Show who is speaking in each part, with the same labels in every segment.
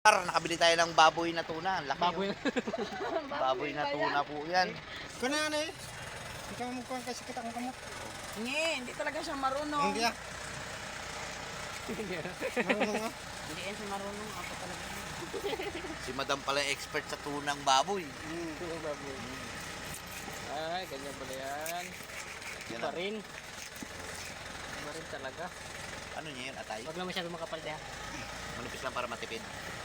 Speaker 1: Nakabili tayo ng baboy na tuna. Laki,
Speaker 2: Baboy.
Speaker 1: baboy na tuna po yan.
Speaker 3: Kuna ano eh? Ikaw mo kuhan kasi kita kong kamot.
Speaker 4: Hindi talaga siya marunong.
Speaker 3: Hindi ah. Marunong ah.
Speaker 4: Hindi yan siya marunong. Ako talaga.
Speaker 1: Si madam pala expert sa tunang baboy.
Speaker 2: Baboy. Ay, ganyan pala yan.
Speaker 1: Yan
Speaker 2: Iba
Speaker 1: ang-
Speaker 2: rin. Iba rin talaga.
Speaker 1: Ano niya yun, atay?
Speaker 2: Huwag lang masyado makapal ha.
Speaker 1: Manipis lang para matipid.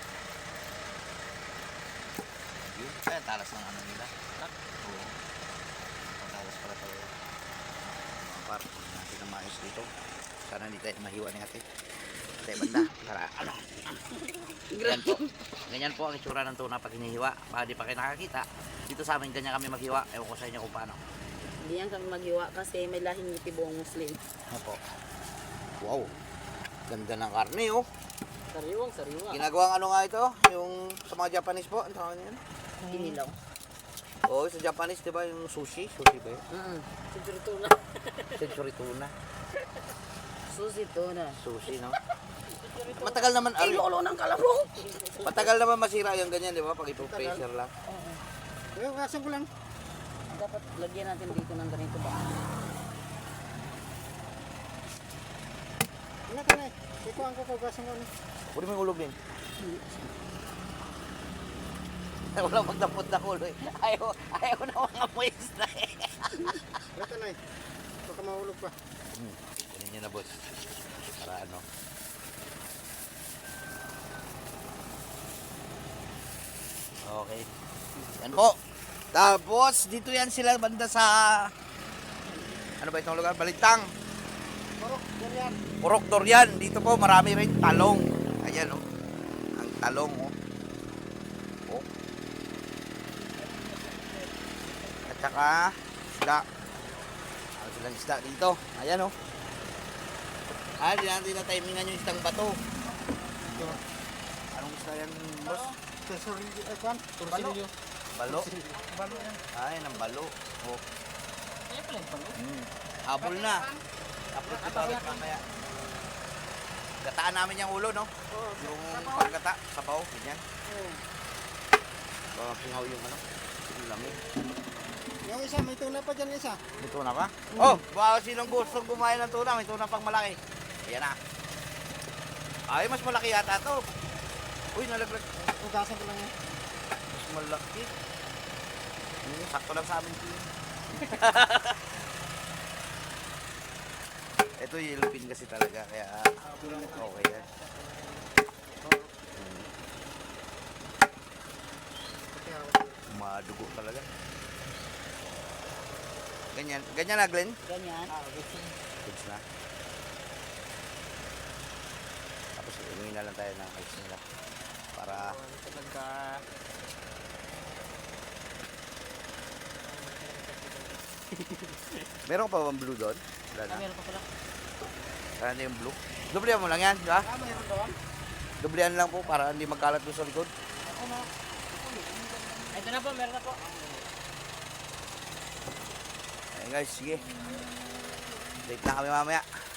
Speaker 1: Yun, kaya talas ng ano nila. Oo. Ang talas pala talaga. Mga par, natin ang maayos dito. Sana hindi tayo mahiwa ni ate. Ate, banda. Para ano. Ganyan po. Ganyan po ang itsura ng tuna pag hinihiwa. Baka di pa kayo nakakita. Dito sa amin, ganyan kami maghiwa. Ewan ko sa inyo kung paano.
Speaker 4: Hindi yan kami maghiwa kasi may lahing nitibuong Muslim.
Speaker 1: Ano po? Wow. Ganda ng karne, oh.
Speaker 2: Sariwang, sariwa.
Speaker 1: Ginagawang ano nga ito? Yung sa mga Japanese po, ang tawag niyan?
Speaker 4: Inilaw.
Speaker 1: Oo, sa Japanese, di ba yung sushi? Sushi ba yun?
Speaker 4: Century tuna.
Speaker 1: Century tuna.
Speaker 4: Susi tuna.
Speaker 1: Sushi, no? Matagal naman,
Speaker 4: Ay, lolo ng kalabong!
Speaker 1: matagal naman masira yung ganyan, di ba? Pag ipo-pressure lang.
Speaker 3: Eh, kasan ko lang.
Speaker 4: Dapat lagyan natin dito ng ganito ba?
Speaker 3: Ano ka na eh? Ikaw ang kukugasan ko ano.
Speaker 1: Pwede mo yung ulog din. Walang magdapot na ulo eh. Ayaw na mga moist na eh.
Speaker 3: Ito na eh. Baka mahulog pa.
Speaker 1: Kunin niyo na, boss. Para ano. Okay. Yan po. Tapos, dito yan sila banda sa... Ano ba itong lugar? Balintang.
Speaker 3: Marok, yan yan.
Speaker 1: Purok Dorian. Dito po marami rin talong. Ayan oh. Ang talong oh. Oh. At saka isda. Ang silang isda dito. Ayan oh. Di natin na timingan yung isdang bato.
Speaker 3: Ito.
Speaker 1: Anong isda yan, boss?
Speaker 3: Sesori, kuhan.
Speaker 2: Tursilyo.
Speaker 1: Balo.
Speaker 3: Balo yan.
Speaker 1: Ay, ng balo. Oh.
Speaker 2: Kaya pala yung palo.
Speaker 1: Habol na. Upload ko ulit mamaya. Gataan namin yung ulo, no? Yung pagkata, sabaw, ganyan. Baka pingaw yung ano. Yung lamig.
Speaker 3: Yung isa, may tuna pa dyan isa.
Speaker 1: May tuna pa? Oh, baka sinong gustong kumain ng tuna, may tuna pang malaki. Ayan na. Ay, mas malaki yata to. Uy, nalaglag.
Speaker 3: Kugasan ko lang yan.
Speaker 1: Mas malaki. Sakto lang sa amin. Ito yellowfin kasi talaga, kaya okay yan. Madugo talaga. Ganyan, ganyan na Glenn?
Speaker 4: Ganyan.
Speaker 1: Goods na. Tapos umuwi na lang tayo ng ice nila. Para
Speaker 2: Talaga.
Speaker 1: meron pa bang blue doon? Wala na.
Speaker 2: Meron pa pala.
Speaker 1: Wala na yung blue. Dublihan mo lang yan, di ba?
Speaker 3: Mayroon doon.
Speaker 1: Dublihan lang po para hindi magkalat doon sa likod.
Speaker 2: Ito na po, meron na po.
Speaker 1: Ayun guys, sige. Date na kami mamaya.